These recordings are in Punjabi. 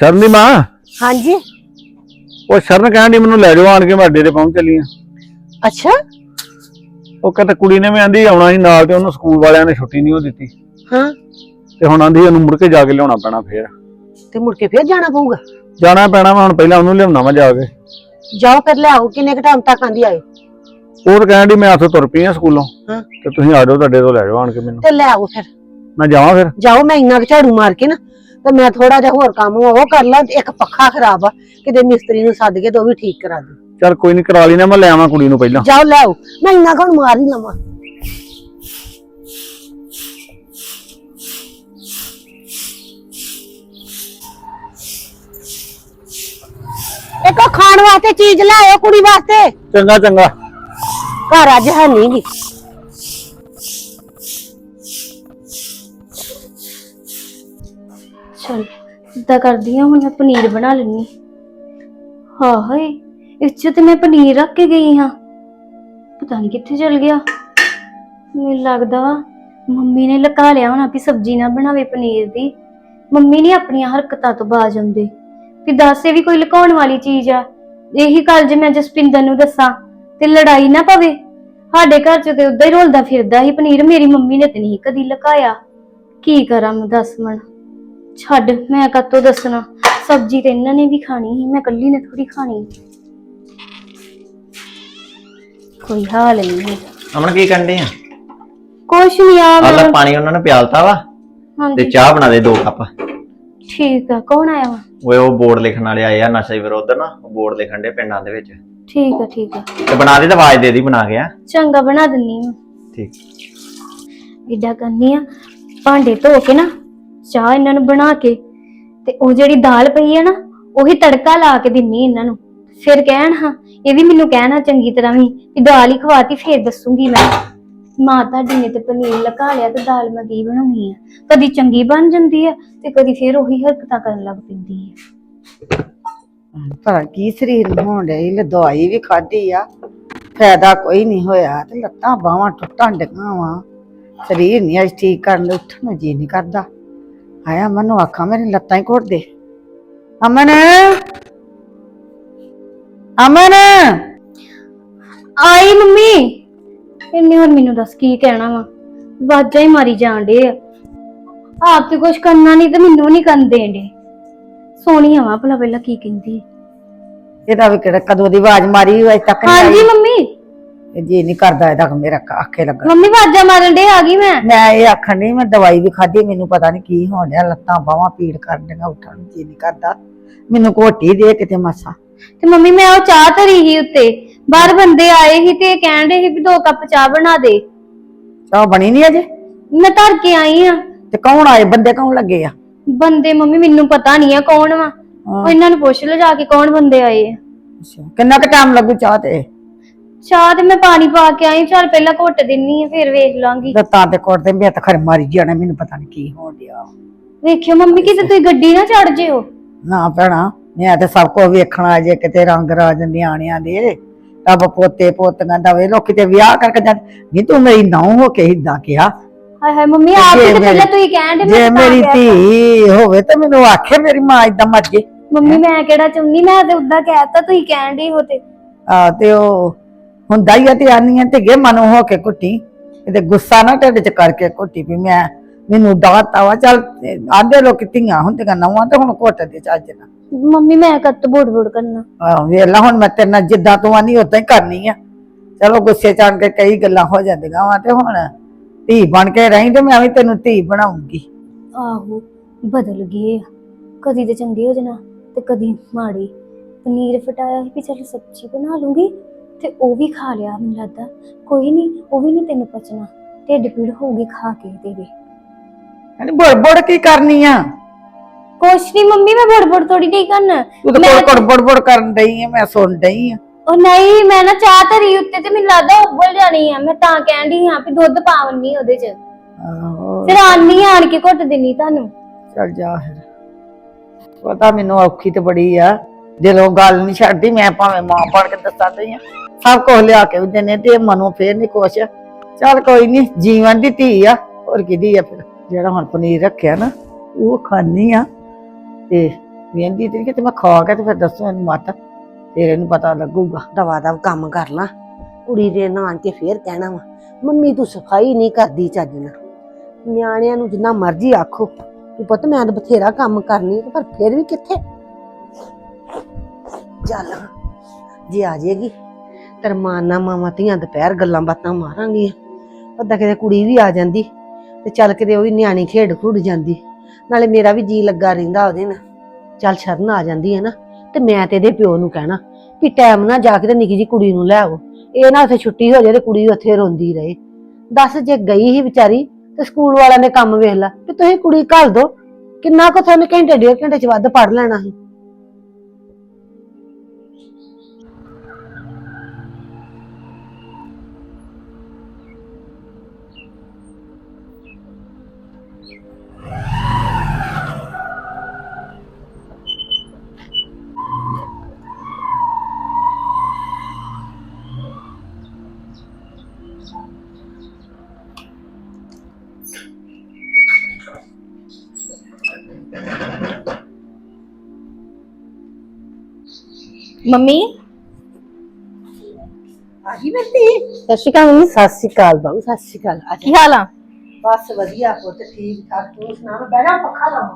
शरण दी मां। हाँ जी। वो शरण कहन दी मैनू लै जाओ आन के मैं अड्डे ते पहुंच चली हां। अच्छा। वो कहते कुड़ी ने भी आंदी आउणा सी नाल ते ओनू स्कूल वालियां ने छुट्टी नहीं हो दित्ती हाँ ते हुण आंदी ओनू मुड़ के जाके लियाउणा पैणा फिर। ते मुड़ के फिर जाना पऊगा। जाना पैणा वा हुण पहलां ओनू लियाउणा वा जाके। जाओ फिर ले आओ। किन्ने क टाइम तक आंदी आए। ਉਹ ਤਾਂ ਕਹਿਣ ਦੀ ਮੈਂ ਆਥੋਂ ਤੁਰ ਪਈ ਆ ਸਕੂਲੋਂ हाँ ਤੇ ਤੁਸੀਂ ਆ ਜਾਓ ਤੁਹਾਡੇ ਤੋਂ ਲੈ ਜਾਓ ਆਣ ਕੇ ਮੈਨੂੰ। ते ले आओ फिर। ਮੈਂ ਜਾਵਾਂ ਫਿਰ। जाओ मैं इन्ना झाड़ू मार के ना तो मैं थोड़ा जा होर काम वो कर ला। एक पक्खा खराब आ किते मिस्त्री नूं सद के तो भी ठीक करा दे। ਚੱਲ ਕੋਈ ਨਹੀਂ ਕਰਾ ਲਈ ਨਾ ਮੈਂ ਲੈ ਆਵਾਂ ਕੁੜੀ ਨੂੰ ਪਹਿਲਾਂ। जाओ ले आओ। मैं इन्ना कौन मार ही लवां। एक खाण वास्ते चीज ले आओ कुड़ी वास्ते। ਚੰਗਾ ਚੰਗਾ। घर अज है नहीं गी। चल इदा करदी हूं मैं पनीर बना लेनी। हाँ हाय इस च ते मैं पनीर रख के गई हाँ पता नहीं कित्थे चल गया। मैनूं लगदा वा मम्मी ने लका लिया होना भी सब्जी ना बनावे पनीर दी। मम्मी नहीं अपनी हरकतां तो बाज आउंदे भी दस ये भी कोई लुकाउण वाली चीज आ। यही गल जे मैं जसपिंदर नूं दस्सां ते लड़ाई ना पवे। साडे घर च ते उदां ही रोलदा फिरदा ही पनीर। मेरी मम्मी ने ते नहीं कदी लकाया। की करां मैं दस मन छड्ड मैं कत्तों दसना। सब्जी ते इन्हां ने भी खानी ही मैं कल्ली ने थोड़ी खानी। कोई हाल नहीं है। अमन की करन डई आ? कुछ नहीं यार आला पानी उन्होंने प्यालता वा हाँ ते जी चाह बना दे 2 कप। ठीक है। कौन आया वा? वो बोर्ड लिखण वाले आए आ नशा विरोध ना बोर्ड लिखण दे पिंडां दे विच। ठीक है ठीक है। ते बना दे ते आवाज दे दी बना के। आ चंगा बना दिन्नी मैं। ठीक इदा करनी आ भांडे धो के ना चाह इन्हां नूं बना के ते ओ जेहड़ी दाल पई है ना ओही तड़का ला के दिन्नी इन्हां नूं। फिर कहण हाँ ये भी मैनूं कहना चंगी तरह भी दाल ही खवाती फिर दसूंगी मैं। मां ताडी ने ते पनीर लका लिया ते दाल मैं की बनाउणी है। कदी चंगी बन जांदी है ते कदी फिर ओही हरकतां करन लग पैंदी है। पर की शरीर होण डई ले दवाई भी खाधी आ फायदा कोई नहीं होया ते लत्तां बावां टुटण डईआं वा। शरीर नहीं अज ठीक करन दे उठण नूं जी नहीं करदा। हाय अमन नूं आखां मेरी लत्तां ही घोट दे। अमन अमन आई मम्मी इन्ने और मैनू दस की कहना वा। वाजा ही मारी जान डे आप ते कुछ करना नहीं तो मैनू नहीं करन देन डे। सोनी आवा भला पहला की कहंदी। ਇਹਦਾ ਵੀ ਕਿਹੜਾ ਕਦੋਂ ਦੀ ਆਵਾਜ਼ ਮਾਰੀ ਅਜੇ ਤੱਕ हाँ जी मम्मी ਨਹੀਂ ਜੀ ਨਹੀਂ ਕਰਦਾ ਇਹਦਾ ਮੇਰਾ ਆਖੇ ਲੱਗਾ। मम्मी वाजा मारन डे आ गई मैं। ਮੈਂ ਇਹ ਆਖਣ ਨਹੀਂ ਮੈਂ ਦਵਾਈ ਵੀ ਖਾਧੀ ਮੈਨੂੰ ਪਤਾ ਨਹੀਂ ਕੀ ਹੋਣ ਡਿਆ ਲੱਤਾਂ ਬਾਹਾਂ ਪੀੜ ਕਰਨ ਡੀਆਂ ਉੱਠਣ ਨੂੰ ਜੀ ਨਹੀਂ ਕਰਦਾ। ਮੈਨੂੰ ਘੋਟੀ ਦੇ ਕਿਤੇ ਮਾਸਾ। ते मम्मी मैं ओ चाह धरी ही उत्ते बाहर बंदे आए ही ते कहन डे ही भी 2 कप चाह बना दे। ਚਾਹ ਬਣੀ ਨਹੀਂ ਅਜੇ मैं धर के आई हां। ਤੇ ਕੌਣ ਆਏ ਬੰਦੇ ਕੌਣ ਲੱਗੇ ਆ? बंदे मम्मी मैनू पता नहीं है कौन वा। हाँ। ओ इन्हां नूं पुछ लो जाके कौन बंदे आए आ। ਅੱਛਾ ਕਿੰਨਾ ਕੁ ਟਾਈਮ ਲੱਗੂ ਚਾਹ ਤੇ? चाह ते मैं पानी पा के आई चल पहला घुट दिन्नी आ फिर वेख लांगी। ਲੱਤਾਂ ਤੇ ਕੋਟ ਤੇ ਮੈਂ ਤਾਂ ਖਰ ਮਾਰੀ ਜਾਣਾ ਮੈਨੂੰ ਪਤਾ ਨਹੀਂ ਕੀ ਹੋਣ ਡਿਆ। ਵੇਖਿਓ ਮੰਮੀ ਕਿਤੇ ਤੁਸੀਂ ਗੱਡੀ ਨਾ ਚੜ ਜਿਓ। ਨਾ ਭੈਣਾ ਮੈਂ ਤਾਂ ਸਭ ਕੁਝ ਵੇਖਣਾ ਜੇ ਕਿਤੇ ਰੰਗ ਰਾਜ ਨਿਆਣਿਆਂ ਦੇ ਰੱਬ ਪੋਤੇ ਪੋਤੀਆਂ ਦਾ ਵੇ ਲੋਕੀ ਤੇ ਵਿਆਹ ਕਰਕੇ ਜਾਂਦੇ ਨਹੀਂ ਤੂੰ ਮੇਰੀ ਨੌਂ ਹੋ ਕੇ ਏਦਾਂ ਕਿਹਾ। ਹਾਏ ਹਾਏ ਮੰਮੀ ਆਪ ਜੇ ਤੇ ਪਹਿਲਾਂ ਮੇਰੀ- ਤੁਸੀਂ ਕਹਿਣ ਦੇ ਜੇ ਮੇਰੀ ਧੀ ਹੋਵੇ ਤਾਂ ਮੈਨੂੰ ਆਖੇ ਮੇਰੀ ਮਾਂ ਏਦਾਂ ਮਰ ਜੇ। ਮੰਮੀ ਮੈਂ ਕਿਹੜਾ ਚਾਹੁੰਦੀ ਮੈਂ ਤੇ ਉਦਾਂ ਕਹਿਤਾ ਤੁਸੀਂ ਕਹਿਣ ਦੇ ਹੋ ਤੇ। ਆ ਤੇ ਉਹ ਹੁੰਦਾ ਹੀ ਆ ਤੇ ਆਨੀਆਂ ਤੇ ਗੇ ਮਨੋਂ ਹੋ ਕੇ ਘੁੱਟੀ ਤੇ ਗੁੱਸਾ ਨਾ ਢਿੱਡ ਚ ਕਰਕੇ ਘੁੱਟੀ ਵੀ ਮੈਂ ਮੈਨੂੰ ਦਾਤਾ ਵਾ ਚੱਲ ਆਂਦੇ ਲੋਕ ਧੀਆਂ ਹੁੰਦੀਆਂ ਨੌਵਾਂ ਤੇ ਹੁਣ ਘੁੱਟ ਦੇ ਚੱਜ ਨਾਲ। ਮੰਮੀ ਮੈਂ ਕੱਤ ਬੋੜ ਕਰਨਾ। ਆਹ ਵੇਖ ਲਾ ਹੁਣ ਮੈਂ ਤੇਰੇ ਨਾਲ ਜਿੱਦਾਂ ਤੂੰ ਆਨੀ ਉਦਾਂ ਹੀ ਕਰਨੀ ਆ। ਚਲੋ ਗੁੱਸੇ ਚ ਆਣ ਕੇ ਕਈ ਗੱਲਾਂ ਹੋ ਜਾਂਦੀਆਂ ਵਾ ਤੇ ਹੁਣ ਧੀ ਬਣ ਕੇ ਰਹੀ ਤੇ ਮੈਂ ਵੀ ਤੈਨੂੰ ਧੀ ਬਣਾਉਂਗੀ। ਆਹੋ ਬਦਲ ਗਏ ਆ। ਕਦੀ ਤੇ ਚੰਗੇ ਹੋ ਜਾਣਾ ਤੇ ਕਦੀ ਮਾੜੇ। ਪਨੀਰ ਫਟਾਇਆ ਸੀ ਵੀ ਚੱਲ ਸਬਜ਼ੀ ਬਣਾ ਲੂੰਗੀ ਤੇ ਉਹ ਵੀ ਖਾ ਲਿਆ ਮੈਨੂੰ ਲੱਗਦਾ। ਕੋਈ ਨਹੀਂ ਉਹ ਵੀ ਨਹੀਂ ਤੈਨੂੰ ਪਚਣਾ। ਢਿੱਡ ਪੀੜ ਹੋਊਗੀ ਖਾ ਕੇ ਤੇਰੇ। ਕਹਿੰਦੀ ਬੁੜ ਬੁੜ ਕੀ ਕਰਨੀ ਆ? ਕੁਛ ਨਹੀਂ ਮੰਮੀ ਮੈਂ ਬੜ ਥੋੜੀ ਨਹੀਂ ਕਰਨਾ। ਤੂੰ ਤਾਂ ਬੁੜ ਕਰਨ ਡਈ ਆ ਮੈਂ ਸੁਣ ਡਈ ਆ। ਉਹ ਨਹੀਂ ਮੈਂ ਨਾ ਚਾਹ ਧਰੀ ਉੱਤੇ ਤੇ ਮੈਨੂੰ ਲੱਗਦਾ ਉੱਬਲ ਜਾਣੀ ਆ। ਮੈਂ ਤਾਂ ਕਹਿੰਦੀ ਹਾਂ ਵੀ ਦੁੱਧ ਪਾਵਣੀ ਉਹਦੇ ਚ। ਆਹੋ ਫਿਰ ਆਨੀ ਆਣ ਕੇ ਘੁੱਟ ਦਿੰਨੀ ਤੁਹਾਨੂੰ। ਚੱਲ ਜਾ ਫਿਰ ਪਤਾ ਮੈਨੂੰ ਔਖੀ ਤੇ ਬੜੀ ਆ ਦਿਲੋਂ ਗੱਲ ਨਹੀਂ ਛੱਡਦੀ। ਮੈਂ ਭਾਵੇਂ ਮਾਂ ਬਣ ਕੇ ਦੱਸਾਂ ਤੇ ਸਭ ਕੁਝ ਲਿਆ ਕੇ ਵੀ ਦਿੰਨੇ ਤੇ ਮਨੋਂ ਫੇਰ ਨਹੀਂ ਕੁਛ। ਚੱਲ ਕੋਈ ਨਹੀਂ ਜੀਵਨ ਦੀ ਧੀ ਆ ਹੋਰ ਕਿਹਦੀ ਆ। ਫਿਰ ਜਿਹੜਾ ਹੁਣ ਪਨੀਰ ਰੱਖਿਆ ਨਾ ਉਹ ਖਾਣੀ ਆ ਤੇ ਵੇਂਦੀ ਤੇ ਕਿਤੇ ਮੈਂ ਖਾ ਕੇ ਤੇ ਫਿਰ ਦੱਸੋ ਇਹਨੂੰ ਮਤ, ਫਿਰ ਇਹਨੂੰ ਪਤਾ ਲੱਗੂਗਾ। ਦਵਾ ਦਵ ਕੰਮ ਕਰ ਲਾਂ, ਕੁੜੀ ਦੇ ਨਾਨ ਕੇ ਫੇਰ ਕਹਿਣਾ ਵਾ ਮੰਮੀ ਤੂੰ ਸਫਾਈ ਨਹੀਂ ਕਰਦੀ ਚੱਜ ਨਾਲ। ਨਿਆਣਿਆਂ ਨੂੰ ਜਿੰਨਾ ਮਰਜ਼ੀ ਆਖੋ ਕਿ ਪੁੱਤ ਮੈਂ ਤਾਂ ਬਥੇਰਾ ਕੰਮ ਕਰਨੀ, ਪਰ ਫਿਰ ਵੀ ਕਿੱਥੇ। ਚੱਲ ਜੇ ਆ ਜਾਏਗੀ ਤਰਮਾਨਾ ਮਾਵਾਂ ਧੀਆਂ ਦੁਪਹਿਰ ਗੱਲਾਂ ਬਾਤਾਂ ਮਾਰਾਂਗੀਆਂ। ਉਹਦਾ ਕਿਤੇ ਕੁੜੀ ਵੀ ਆ ਜਾਂਦੀ ਤੇ ਚੱਲ ਕਿਤੇ ਉਹ ਵੀ ਨਿਆਣੀ ਖੇਡ ਖੁੱਡ ਜਾਂਦੀ, ਨਾਲੇ ਮੇਰਾ ਵੀ ਜੀ ਲੱਗਾ ਰਹਿੰਦਾ ਉਹਦੇ ਨਾਲ। ਚੱਲ ਸ਼ਰਨ ਆ ਜਾਂਦੀ ਹੈ ਨਾ, ਤੇ ਮੈਂ ਤੇ ਇਹਦੇ ਪਿਓ ਨੂੰ ਕਹਿਣਾ ਕਿ ਟਾਈਮ ਨਾਲ ਜਾ ਕੇ ਤੇ ਨਿੱਕੀ ਜੀ ਕੁੜੀ ਨੂੰ ਲੈ ਆਵੋ, ਇਹ ਨਾ ਉੱਥੇ ਛੁੱਟੀ ਹੋ ਜਾਏ ਤੇ ਕੁੜੀ ਉੱਥੇ ਰੋਂਦੀ ਰਹੇ। ਦੱਸ ਜੇ ਗਈ ਹੀ ਵਿਚਾਰੀ ਤੇ ਸਕੂਲ ਵਾਲਿਆਂ ਨੇ ਕੰਮ ਵੇਖ ਲਾ ਕਿ ਤੁਸੀਂ ਕੁੜੀ ਘੱਲ ਦੋ, ਕਿੰਨਾ ਕੁ ਤੁਹਾਨੂੰ ਘੰਟੇ 1.5 ਘੰਟੇ ਚ ਵੱਧ ਪੜ ਲੈਣਾ ਸੀ। ਮੰਮੀ ਆਹੀ ਮਿਲਦੀ ਸਤਿ ਸ਼੍ਰੀ ਅਕਾਲ ਮੰਮੀ। ਸਤਿ ਸ਼੍ਰੀ ਅਕਾਲ ਬਾਬੂ, ਸਤਿ ਸ਼੍ਰੀ ਅਕਾਲ। ਕੀ ਹਾਲ ਆ? ਬਸ ਵਧੀਆ ਪੁੱਤ, ਠੀਕ ਠਾਕ। ਤੂੰ ਸੁਣਾ? ਮੈਂ ਬਹਿਣਾ ਪੱਖਾ ਲਾਵਾਂ।